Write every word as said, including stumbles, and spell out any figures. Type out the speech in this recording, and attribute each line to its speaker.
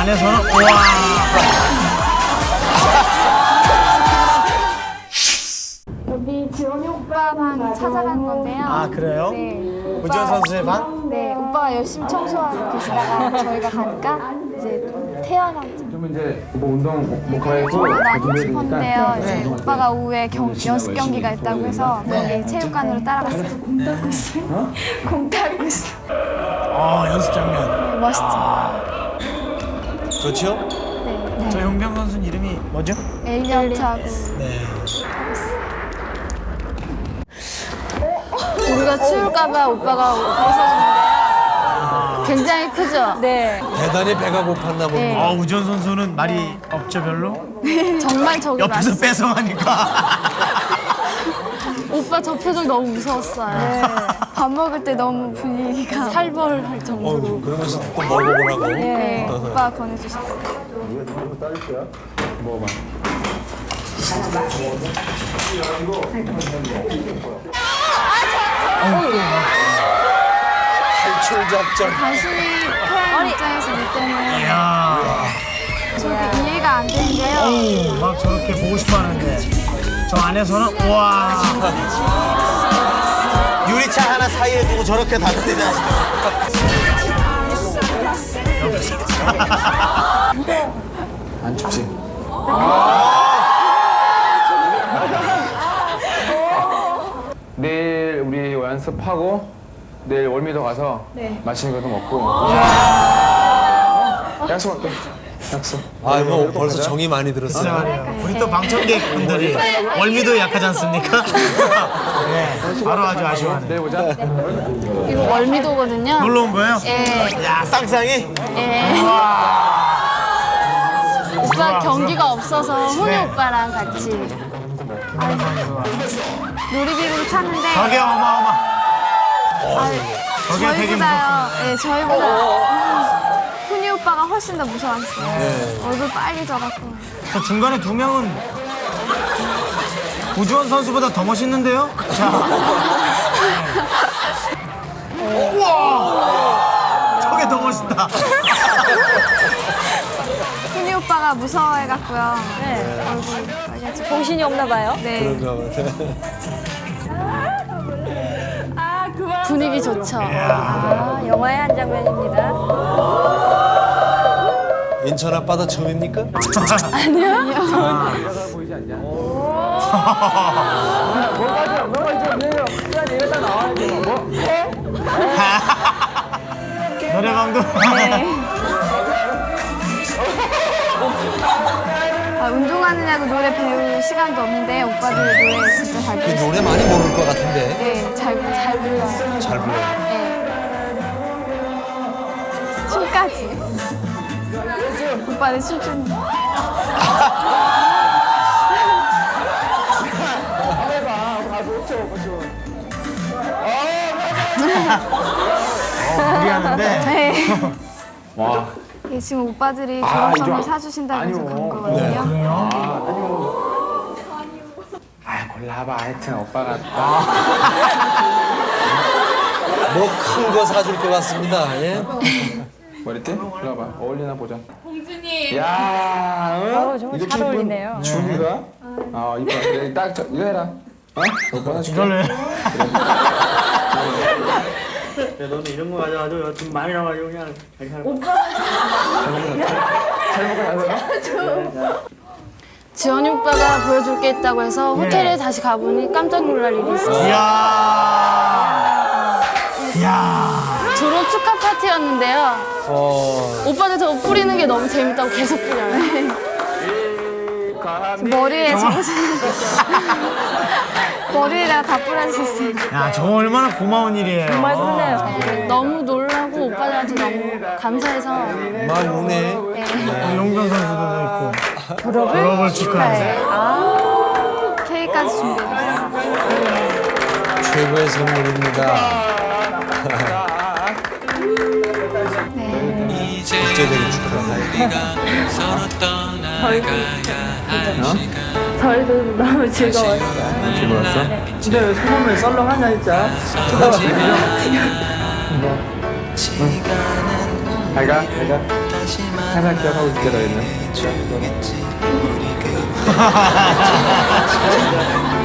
Speaker 1: 안에서는 우와.
Speaker 2: 여기 지원이 오빠 방 찾아간 건데요.
Speaker 1: 아 그래요?
Speaker 2: 네.
Speaker 1: 우지원 선수의 방?
Speaker 2: 네, 오빠가 열심히 청소하고 계시다가 저희가 가니까 이제 태어나고
Speaker 3: 그러면 이제 뭐 운동 뭐 가고
Speaker 2: 나가고 싶었는데요. 이제 오빠가 오후에 경, 연습 경기가 있다고 해서 거기 체육관으로 따라갔어요. 공 타고 있어요. 공 타고 있어요.
Speaker 1: 어 연습 장면.
Speaker 2: 멋있죠?
Speaker 4: 좋죠?
Speaker 2: 네.
Speaker 1: 저 용병 선수는 이름이 뭐죠?
Speaker 2: 엘리엇하고
Speaker 1: 네.
Speaker 2: 우리가 추울까봐 오빠가 벗어주는데요. 굉장히 크죠? 네.
Speaker 4: 대단히 배가 고팠나 보네.
Speaker 2: 네.
Speaker 1: 어 우지원 선수는 말이 없죠 별로?
Speaker 2: 정말 저기
Speaker 1: 옆에서
Speaker 2: 맛있어요.
Speaker 1: 뺏어가니까.
Speaker 2: 오빠 저 표정 너무 무서웠어요. 밥 먹을 때 너무 분위기가 살벌할 정도로.
Speaker 4: 어, 그러면서 또 먹어보라고.
Speaker 2: 네, 오빠가 권해주셨어요.
Speaker 3: 먹어봐.
Speaker 4: 탈출 작전.
Speaker 2: 단순히 태양 입장에서 볼 때는
Speaker 1: 이야.
Speaker 2: 저렇게 이해가 안 되는데요.
Speaker 1: 오, 막 저렇게 보고 싶어하는데 저 안에서는 우와.
Speaker 4: 유리창 하나 사이에 두고 저렇게 다른데냐.
Speaker 3: 안 춥지? 내일 우리 연습하고 내일 월미도 가서 맛있는 것도 먹고 약속할게. 약속.
Speaker 4: 아, 뭐 벌써 정이 많이
Speaker 1: 진짜
Speaker 4: 들었어요.
Speaker 1: 말이에요. 우리 또 방청객 분들이 월미도 약하지 않습니까? 네, 바로 아주 아쉬워하네.
Speaker 3: 내일 보자.
Speaker 2: 이거 월미도거든요.
Speaker 1: 놀러 온 거예요?
Speaker 2: 예,
Speaker 4: 야, 쌍쌍이?
Speaker 2: 예. 오빠 경기가 없어서 훈이
Speaker 1: 네.
Speaker 2: 오빠랑 같이 놀이기구를 탔는데
Speaker 1: 저게 어마어마.
Speaker 2: 아,
Speaker 1: 저게 되게
Speaker 2: 저희보다요. 예, 저희보다 훈이 오빠가 훨씬 더 무서웠어요. 얼굴 빨개져갖고.
Speaker 1: 저 중간에 두 명은 우주원 선수보다 더 멋있는데요? 자. 네. 우와! 저게 더 멋있다.
Speaker 2: 훈이 오빠가 무서워해갖고요. 네. 얼굴 빨개져.
Speaker 5: 정신이 없나 봐요.
Speaker 2: 네.
Speaker 4: 그런가 봐.
Speaker 2: 분위기 좋죠.
Speaker 5: 아, 영화의 한 장면입니다.
Speaker 4: 인천 앞바다 처음입니까?
Speaker 3: 보이지 않냐? 뭐가 좀 뭐가 좀 내려. 그냥 얘가 딱 나와야지. 뭐?
Speaker 1: 노래방도.
Speaker 2: 아, 운동하느냐고 노래 배울 시간도 없는데 오빠들 노래 진짜 잘
Speaker 4: 그
Speaker 2: 부르시고
Speaker 4: 노래 많이 모를 것 같은데.
Speaker 2: 네, 잘, 잘 불러요.
Speaker 4: 잘 불러요.
Speaker 2: 네. 춤까지. 오빠는 춤추는
Speaker 1: 어, 무리하는데.
Speaker 2: 네.
Speaker 3: 와.
Speaker 2: 이게 지금 오빠들이
Speaker 3: 아,
Speaker 2: 졸업 선물
Speaker 3: 이거-
Speaker 2: 사주신다고 해서
Speaker 3: 아니요.
Speaker 2: 그런 거거든요.
Speaker 3: 아, 골라봐. 하여튼 오빠가
Speaker 4: 뭐 큰 거 사줄 것 같습니다. 예?
Speaker 3: 머리띠? 골라봐. 어울리나 보자. 공주님. 야, 응?
Speaker 5: 어, 정말 잘
Speaker 3: 이쁜
Speaker 5: 어울리네요.
Speaker 3: 준이가? 아, 이뻐. 그래, 딱 저, 이거 해라. 어? 오빠 하나 줄게.
Speaker 1: 이걸로 해.
Speaker 6: 야, 너는 이런 거 가져가지고 돈 많이 나와가지고 그냥 괜찮아.
Speaker 2: 지원이 오빠가 보여줄 게 있다고 해서 호텔에 다시 가보니 깜짝 놀랄 일이 있었어요.
Speaker 1: 이야. 이야.
Speaker 2: 졸업 축하 파티였는데요.
Speaker 4: 어,
Speaker 2: 오빠들 저거 뿌리는 게 너무 재밌다고 계속 뿌려요. 머리에 저거 머리에다가 다 뿌려주셨어요.
Speaker 1: 야, 저거 얼마나 고마운 일이에요.
Speaker 5: 정말 그러네요.
Speaker 2: 너무 놀라고 오빠들한테 너무 감사해서
Speaker 4: 막 우네.
Speaker 1: 어, 용병 선수도 있고.
Speaker 5: 졸업을,
Speaker 1: 졸업을 축하해.
Speaker 5: 아,
Speaker 2: 케이크까지 준비해줬어요.
Speaker 4: 최고의 선물입니다. 국제적인 축하합니다.
Speaker 5: 저희도 너무 즐거웠어요.
Speaker 3: 즐거웠어?
Speaker 6: 근데 왜 소문을 썰렁하냐 진짜.
Speaker 3: 잘 가, 잘 가. 항상 기억하고 있을게 너희는.